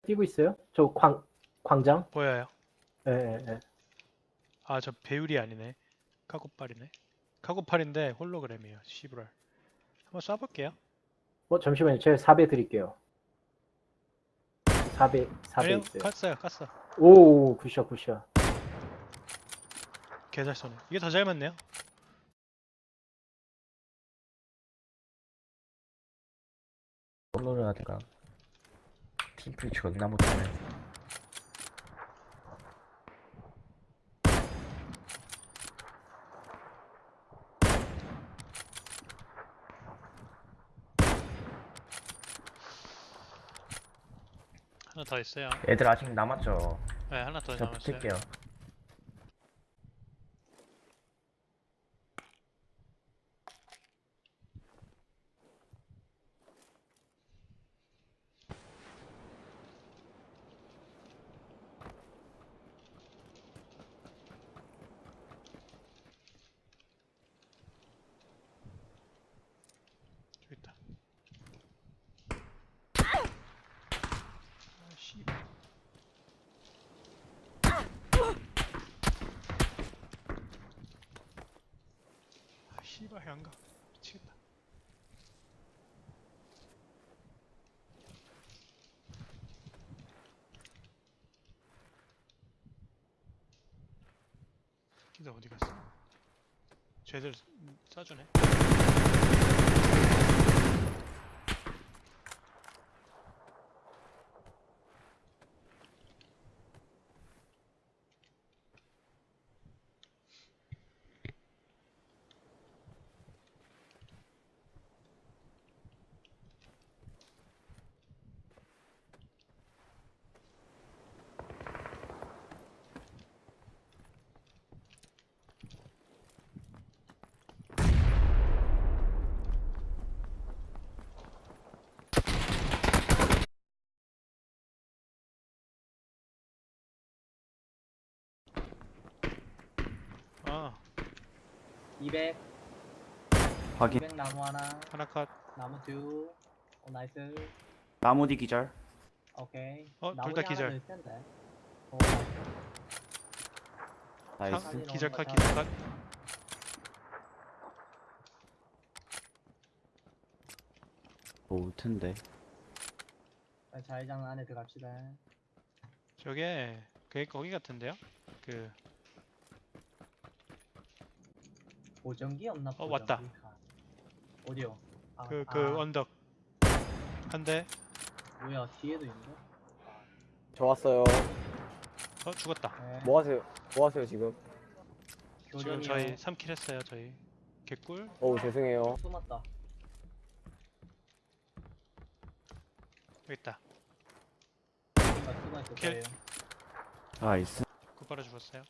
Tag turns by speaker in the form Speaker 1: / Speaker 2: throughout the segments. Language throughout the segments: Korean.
Speaker 1: 뛰고 있어요? 저 광장?
Speaker 2: 보여요.
Speaker 1: 예, 예, 예.
Speaker 2: 아, 저 배율이 아니네. 카고팔이네. 카고팔인데 홀로그램이에요. 시브랄. 한번 쏴볼게요.
Speaker 1: 잠시만요. 제가 4배 드릴게요. 4배
Speaker 2: 아니요,
Speaker 1: 있어요.
Speaker 2: 깠어요.
Speaker 1: 오, 굿샷, 굿샷.
Speaker 2: 개잘 쏘네. 이게 더 잘 맞네요.
Speaker 3: 솔로를 하다가 팀플이 존나 못하네.
Speaker 2: 하나 더 있어요.
Speaker 3: 애들 아직 남았죠?
Speaker 2: 네, 하나 더
Speaker 3: 저
Speaker 2: 남았어요.
Speaker 3: 붙을게요.
Speaker 2: 저기 있다. 아, 씨발. 아, 씨발, 안 가. 미치겠다. 기다 어디 갔어? 쟤들 쏴주네. 아,
Speaker 4: 200
Speaker 5: 확인.
Speaker 4: 200 나무 하나
Speaker 2: 하나 컷.
Speaker 4: 나무 둘 나이스
Speaker 5: 나무 뒤 기절.
Speaker 4: 오케이
Speaker 2: 둘
Speaker 4: 나무
Speaker 2: 다
Speaker 4: 하나
Speaker 2: 기절.
Speaker 4: 더 있을 텐데.
Speaker 5: 나이스.
Speaker 4: 상-
Speaker 2: 기절 컷,
Speaker 4: 거
Speaker 2: 기절 컷.
Speaker 5: 올 텐데.
Speaker 4: 자회장 안에 들어갑시다.
Speaker 2: 저게 거기 같은데요? 그
Speaker 4: 보정기 없나?
Speaker 2: 왔다.
Speaker 4: 보정기? 어디요?
Speaker 2: 그 언덕 한 대.
Speaker 4: 뭐야 뒤에도 있는데?
Speaker 6: 저 왔어요.
Speaker 2: 죽었다.
Speaker 4: 네.
Speaker 6: 뭐 하세요 지금?
Speaker 2: 지금
Speaker 4: 교전이요.
Speaker 2: 저희 3킬 했어요. 저희 개꿀.
Speaker 6: 어우 죄송해요.
Speaker 4: 숨었다.
Speaker 2: 여기 있다.
Speaker 4: 뭔가 숨어 있을
Speaker 2: 킬.
Speaker 4: 거예요.
Speaker 5: 나이스.
Speaker 2: 굿바로 죽었어요.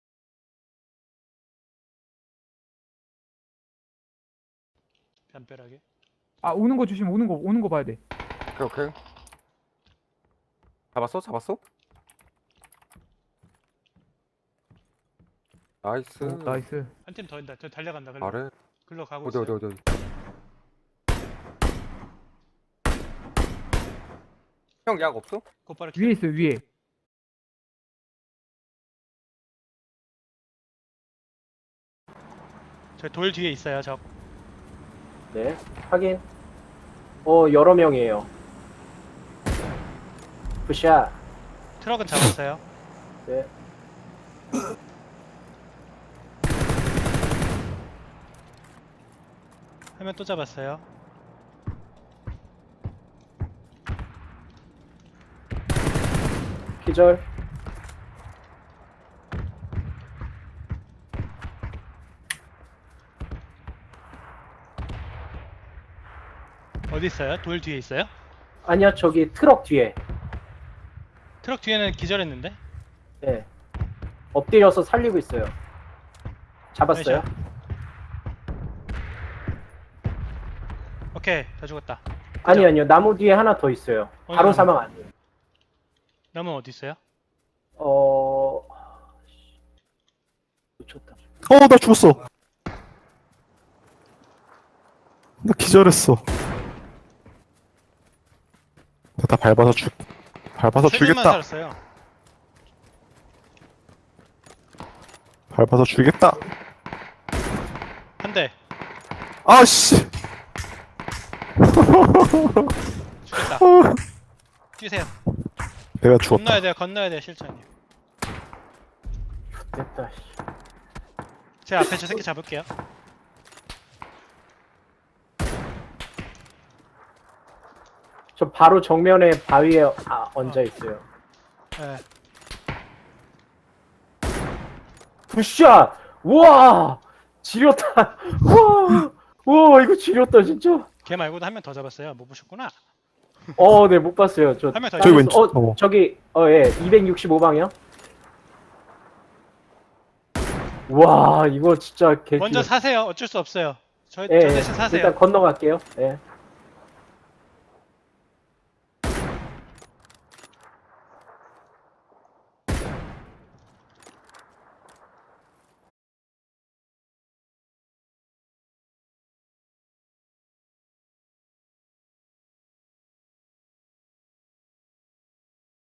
Speaker 2: 담벼락에.
Speaker 7: 아 오는 거 조심 오는 거 봐야 돼.
Speaker 6: 오케이. 잡았어? 나이스.
Speaker 7: 오, 나이스.
Speaker 2: 한 팀 더 있다. 저 달려간다.
Speaker 6: 아래.
Speaker 2: 글로 가고
Speaker 6: 어디
Speaker 2: 있어요.
Speaker 6: 어디. 형 약 없어?
Speaker 2: 굿바로
Speaker 7: 위에 있어요 위에.
Speaker 2: 저 돌 뒤에 있어요. 저
Speaker 1: 네, 확인. 여러 명이에요. 굿샷.
Speaker 2: 트럭은 잡았어요.
Speaker 1: 네.
Speaker 2: 화면 또 잡았어요.
Speaker 1: 기절.
Speaker 2: 어디 있어요? 돌 뒤에 있어요?
Speaker 1: 아니야, 저기 트럭 뒤에.
Speaker 2: 트럭 뒤에는 기절했는데?
Speaker 1: 네. 엎드려서 살리고 있어요. 잡았어요?
Speaker 2: 나이스. 오케이, 다 죽었다.
Speaker 1: 아니요. 나무 뒤에 하나 더 있어요. 바로
Speaker 2: 나무?
Speaker 1: 사망 아니에요.
Speaker 2: 남은 어디 있어요?
Speaker 1: 놓쳤다.
Speaker 8: 나 죽었어. 나 기절했어. 나 밟아서 밟아서
Speaker 2: 세 줄만
Speaker 8: 죽겠다.
Speaker 2: 살았어요.
Speaker 8: 밟아서 죽겠다.
Speaker 2: 한 대.
Speaker 8: 아씨.
Speaker 2: 죽였다. 뛰세요.
Speaker 8: 내가 죽었다.
Speaker 2: 건너야 돼요. 건너야 돼요, 실장님.
Speaker 1: 됐다. 씨.
Speaker 2: 제가 앞에 저 새끼 잡을게요.
Speaker 1: 저 바로 정면에 바위에 얹어 있어요.
Speaker 2: 네.
Speaker 1: 굿샷! 우와! 지렸다! 우와! 우와, 이거 지렸다, 진짜.
Speaker 2: 걔 말고도 한 명 더 잡았어요. 못 보셨구나.
Speaker 1: 네, 못 봤어요. 저
Speaker 2: 한 명 더
Speaker 8: 저기
Speaker 2: 있어요.
Speaker 8: 왼쪽.
Speaker 1: 저기, 예, 265방이요? 와, 이거 진짜 개.
Speaker 2: 먼저 사세요. 어쩔 수 없어요. 저
Speaker 1: 예,
Speaker 2: 대신 사세요.
Speaker 1: 일단 건너갈게요. 예.